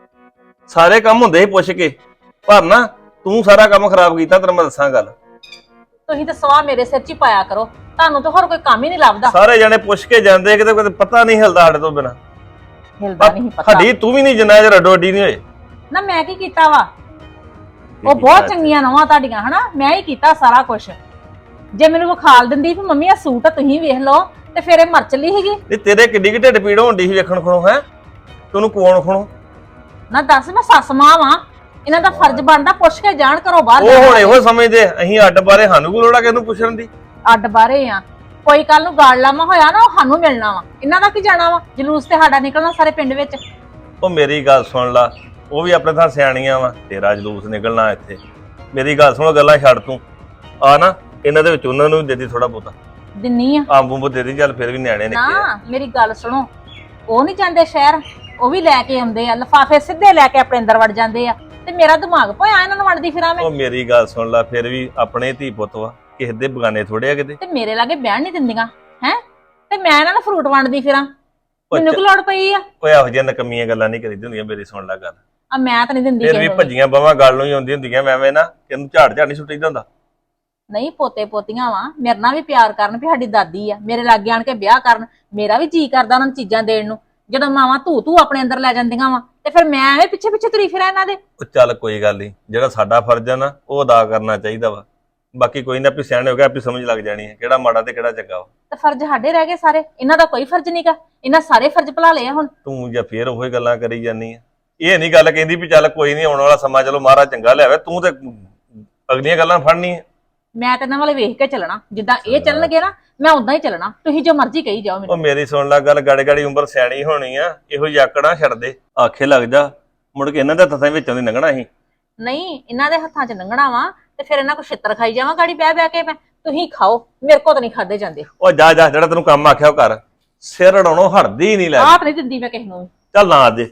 ਸਾਰੇ ਕੰਮ ਹੁੰਦੇ ਸੀ ਪੁੱਛ ਕੇ, ਪਰ ਨਾ ਤੂੰ ਸਾਰਾ ਕੰਮ ਖਰਾਬ ਕੀਤਾ। ਤੈਨੂੰ ਮੈਂ ਦੱਸਾਂ ਗੱਲ, ਤੁਸੀਂ ਤਾਂ ਸਵਾਹ ਮੇਰੇ ਸਿਰ 'ਚ ਹੀ ਪਾਇਆ ਕਰੋ, ਤੁਹਾਨੂੰ ਤਾਂ ਹੋਰ ਕੋਈ ਕੰਮ ਹੀ ਨਹੀਂ ਲੱਭਦਾ। ਸਾਰੇ ਜਣੇ ਪੁੱਛ ਕੇ ਜਾਂਦੇ, ਕਿਤੇ ਕਿਤੇ ਪਤਾ ਨਹੀਂ ਹਿਲਦਾ ਸਾਡੇ ਤੋਂ ਬਿਨਾ। ਹਿਲਦਾ ਨਹੀਂ ਪਤਾ। ਸਾਡੀ ਤੂੰ ਵੀ ਨਹੀਂ ਜਿੰਨਾ ਚਿਰ ਅੱਡੋ ਅੱਡੀ ਨਹੀਂ ਹੋਏ। ਨਾ ਮੈਂ ਕੀ ਕੀਤਾ ਵਾ? ਉਹ ਬਹੁਤ ਚੰਗੀਆਂ ਨਵਾਂ ਤੁਹਾਡੀਆਂ ਹਨਾ, ਮੈਂ ਹੀ ਕੀਤਾ ਸਾਰਾ ਕੁਝ। ਜੇ ਮੈਨੂੰ ਵਿਖਾਲ ਦਿੰਦੀ ਵੀ ਮੰਮੀ ਆ ਸੂਟ ਆ ਤੁਸੀਂ ਵੇਖ ਲਓ, ਤੇ ਫਿਰ ਇਹ ਮਰ ਚਲੀ ਸੀਗੀ। ਨਹੀਂ ਤੇਰੇ ਕਿੱਡੀ ਕਿ ਢਿੱਡ ਪੀੜ ਹੋਣ ਦੀ ਸੀ ਵੇਖਣ ਖਣੋ ਹੈ? ਤੈਨੂੰ ਕੋਣ ਖਣੋ? ਨਾ ਦੱਸ, ਮੈਂ ਸੱਸ ਮਾਂ ਵਾਂ, ਇਹਨਾਂ ਦਾ ਫਰਜ਼ ਬਣਦਾ ਪੁੱਛ ਕੇ ਜਾਣ ਘਰੋਂ ਬਾਹਰ। ਉਹ ਹੁਣ ਇਹੋ ਸਮਝਦੇ ਅਸੀਂ ਅੱਡ ਬਾਰੇ, ਸਾਨੂੰ ਕੋਈ ਲੋੜ ਆ ਕਿਹਨੂੰ ਪੁੱਛਣ ਦੀ? ਅੱਡ ਬਾਰੇ ਆ, ਕੋਈ ਕੱਲ ਨੂੰ ਗਾਲ ਲਾਮਾ ਹੋਇਆ ਨਾ ਉਹ ਸਾਨੂੰ ਮਿਲਣਾ ਵਾ, ਇਹਨਾਂ ਦਾ ਕੀ ਜਾਣਾ ਵਾ? ਜਲੂਸ ਤੇ ਸਾਡਾ ਨਿਕਲਣਾ ਸਾਰੇ ਪਿੰਡ ਵਿੱਚ। ਉਹ ਮੇਰੀ ਗੱਲ ਸੁਣ ਲਾ, ਉਹ ਵੀ ਆਪਣੇ ਥਾਂ ਸਿਆਣੀਆਂ ਵਾ, ਤੇਰਾ ਜਲੂਸ ਨਿਕਲਣਾ ਇੱਥੇ। ਮੇਰੀ ਗੱਲ ਸੁਣ, ਗੱਲਾਂ ਛੱਡ ਤੂੰ ਆ ਨਾ, ਇਹਨਾਂ ਦੇ ਵਿੱਚ ਉਹਨਾਂ ਨੂੰ ਵੀ ਦੇ ਦੀ ਥੋੜਾ ਬਹੁਤਾ। ਦਿੰਨੀ ਆ ਅੰਬ ਅੰਬ ਦੇ ਦੀ, ਚੱਲ ਫਿਰ ਵੀ ਨਿਆਣੇ ਨਿੱਕੇ ਆ। ਨਾ ਮੇਰੀ ਗੱਲ ਸੁਣੋ, ਉਹ ਨਹੀਂ ਜਾਂਦੇ ਸ਼ਹਿਰ, ਉਹ ਵੀ ਲੈ ਕੇ ਆਉਂਦੇ ਆ ਲਿਫਾਫੇ, ਸਿੱਧੇ ਲੈ ਕੇ ਆਪਣੇ ਅੰਦਰ ਵੜ ਜਾਂਦੇ ਆ, ਤੇ ਮੇਰਾ ਦਿਮਾਗ ਭੋਇਆ ਇਹਨਾਂ ਨੂੰ ਵੜਦੀ ਫਿਰਾਂ ਮੈਂ। ਉਹ ਮੇਰੀ ਗੱਲ ਸੁਣ ਲਾ, ਫਿਰ ਵੀ ਆਪਣੇ ਧੀ ਪੁੱਤ ਵਾ, ਕਿਸੇ ਦੇ ਬਗਾਨੇ ਥੋੜੇ ਆ ਕਿਤੇ। ਤੇ ਮੇਰੇ ਲਾਗੇ ਬਹਿਣ ਨਹੀਂ ਦਿੰਦੀਆਂ ਹੈ, ਤੇ ਮੈਂ ਇਹਨਾਂ ਨੂੰ ਫਰੂਟ ਵੰਡਦੀ ਫਿਰਾਂ, ਮੈਨੂੰ ਕੀ ਲੋੜ ਪਈ ਆ? ਓਏ ਇਹੋ ਜਿਹੀਆਂ ਨਕਮੀਆਂ ਗੱਲਾਂ ਨਹੀਂ ਕਰੀਦੀ ਹੁੰਦੀਆਂ। ਮੇਰੀ ਸੁਣ ਲੈ ਗੱਲ, ਆ ਮੈਂ ਤਾਂ ਨਹੀਂ ਦਿੰਦੀ ਫਿਰ ਵੀ ਕਿਸੇ ਨੂੰ ਵੀ। ਭੱਜੀਆਂ ਬਾਹਾਂ ਗੱਲ ਨੂੰ ਹੀ ਆਉਂਦੀ ਹੁੰਦੀਆਂ। ਐਵੇਂ ਨਾ ਕਿਹਨੂੰ ਝਾੜ ਝਾੜ ਨਹੀਂ ਸੁੱਟੀਦਾ ਹੁੰਦਾ। ਨਹੀਂ ਪੋਤੇ ਪੋਤੀਆਂ ਵਾ, ਮੇਰੇ ਨਾਲ ਵੀ ਪਿਆਰ ਕਰਨ ਵੀ ਸਾਡੀ ਦਾਦੀ ਆ, ਮੇਰੇ ਲਾਗੇ ਆਣ ਕੇ ਵਿਆਹ ਕਰਨ। ਮੇਰਾ ਵੀ ਜੀ ਕਰਦਾ ਉਹਨਾਂ ਨੂੰ ਚੀਜ਼ਾਂ ਦੇਣ ਨੂੰ, ਜਦੋਂ ਮਾਵਾਂ ਧੂ ਆਪਣੇ ਅੰਦਰ ਲੈ ਜਾਂਦੀਆਂ ਵਾ, ਤੇ ਫਿਰ ਮੈਂ ਐਵੇਂ ਪਿੱਛੇ ਪਿੱਛੇ ਤੁਰੀ ਫਿਰਾਂ ਇਹਨਾਂ ਦੇ। ਉਹ ਚੱਲ ਕੋਈ ਗੱਲ ਨਹੀਂ, ਜਿਹੜਾ ਸਾਡਾ ਫਰਜ਼ ਆ ਨਾ ਉਹ ਅਦਾ ਕਰਨਾ ਚਾਹੀਦਾ ਵਾ। ਬਾਕੀ ਕੋਈ ਨਾ, ਆਪੇ ਸਿਆਣੇ ਹੋ ਗਿਆ, ਆਪੇ ਸਮਝ ਲੱਗ ਜਾਣੀ ਹੈ ਕਿਹੜਾ ਮਾੜਾ ਤੇ ਕਿਹੜਾ ਚੰਗਾ ਵਾ। ਤੇ ਫਰਜ਼ ਸਾਡੇ ਰਹਿ ਗਏ ਸਾਰੇ, ਇਹਨਾਂ ਦਾ ਕੋਈ ਫਰਜ਼ ਨਹੀਂਗਾ, ਇਹਨਾਂ ਸਾਰੇ ਫਰਜ਼ ਭੁਲਾ ਲਏ ਆ ਹੁਣ। ਤੂੰ ਜਾਂ ਫੇਰ ਉਹੀ ਗੱਲਾਂ ਕਰੀ ਜਾਂਦੀ ਆ। ਇਹ ਨਹੀਂ ਗੱਲ ਕਹਿੰਦੀ ਵੀ ਚੱਲ ਕੋਈ ਨਹੀਂ, ਆਉਣ ਵਾਲਾ ਸਮਾਂ ਚਲੋ ਮਹਾਰਾਜ ਚੰਗਾ ਲਿਆਵੇ। ਤੂੰ ਤੇ ਅਗਲੀਆਂ ਗੱਲਾਂ ਫੜਨੀ ਆ। ਮੈਂ ਤੇ ਇਹਨਾਂ ਵਾਲੇ ਵੇਖ ਕੇ ਚੱਲਣਾ, ਜਿੱਦਾਂ ਇਹ ਚੱਲਣਗੇ ਨਾ ਮੈਂ ਉਦਾਂ ਹੀ ਚੱਲਣਾ, ਤੁਸੀਂ ਜੋ ਮਰਜ਼ੀ ਕਹੀ ਜਾਓ ਉਹ ਮੈਨੂੰ। ਮੇਰੀ ਸੁਣ ਲੈ ਗੱਲ, ਗਾੜੀ ਗਾੜੀ ਉਮਰ ਸਿਆਣੀ ਹੋਣੀ ਆ, ਇਹੋ ਯਾਕੜਾਂ ਛੱਡ ਦੇ, ਆਖੇ ਲੱਗ ਜਾ, ਮੁੜ ਕੇ ਇਹਨਾਂ ਦੇ ਹੱਥਾਂ ਵਿੱਚੋਂ ਦੀ ਲੰਘਣਾ ਸੀ। ਨਹੀਂ ਇਹਨਾਂ ਦੇ ਹੱਥਾਂ 'ਚ ਲੰਘਣਾ ਵਾ, ਤੇ ਫਿਰ ਇਹਨਾਂ ਕੋ ਛਿੱਤਰ ਖਾਈ ਜਾਵਾਂ ਗਾੜੀ ਬਹਿ ਬਹਿ ਕੇ ਮੈਂ। ਤੁਸੀਂ ਖਾਓ, ਮੇਰੇ ਕੋਲ ਤਾਂ ਨਹੀਂ ਖਾਦੇ ਜਾਂਦੇ। ਉਹ ਜਾ ਜਾ, ਜਿਹੜਾ ਤੈਨੂੰ ਕੰਮ ਆਖਿਆ ਉਹ ਕਰ, ਸਿਰ ਅੜਾਉਣੋਂ ਹਟਦੀ ਨਹੀਂ। ਲੈ ਆਪ ਨਹੀਂ ਦਿੰਦੀ ਮੈਂ ਕਿਸੇ ਨੂੰ ਵੀ। ਚੱਲ ਨਾ ਦੇ,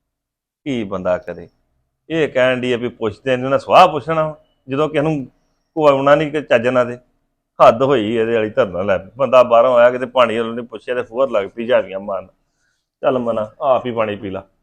ਕੀ ਬੰਦਾ ਕਰੇ। ਇਹ ਕਹਿਣ ਦੀ ਆ ਵੀ ਪੁੱਛਦੇ ਨੇ ਨਾ, ਸਵਾਹ ਪੁੱਛਣਾ ਜਦੋਂ ਕਿਸੇ ਨੂੰ ਕੋਆਉਣਾ ਨਹੀਂ ਕਿ ਚੱਜ ਨਾ ਦੇ। ਹੱਦ ਹੋਈ ਇਹਦੇ ਵਾਲੀ ਧਰਨਾ। ਲੈ ਬੰਦਾ ਬਾਹਰੋਂ ਆਇਆ, ਕਿਤੇ ਪਾਣੀ ਵਾਲੇ ਨੇ ਪੁੱਛਿਆ ਤੇ ਫੋਰ ਲੱਗ ਪਈ ਝਾੜੀਆਂ ਮਾਰਨ। ਚੱਲ ਮਨਾ ਆਪ ਹੀ ਪਾਣੀ ਪੀ ਲਾ।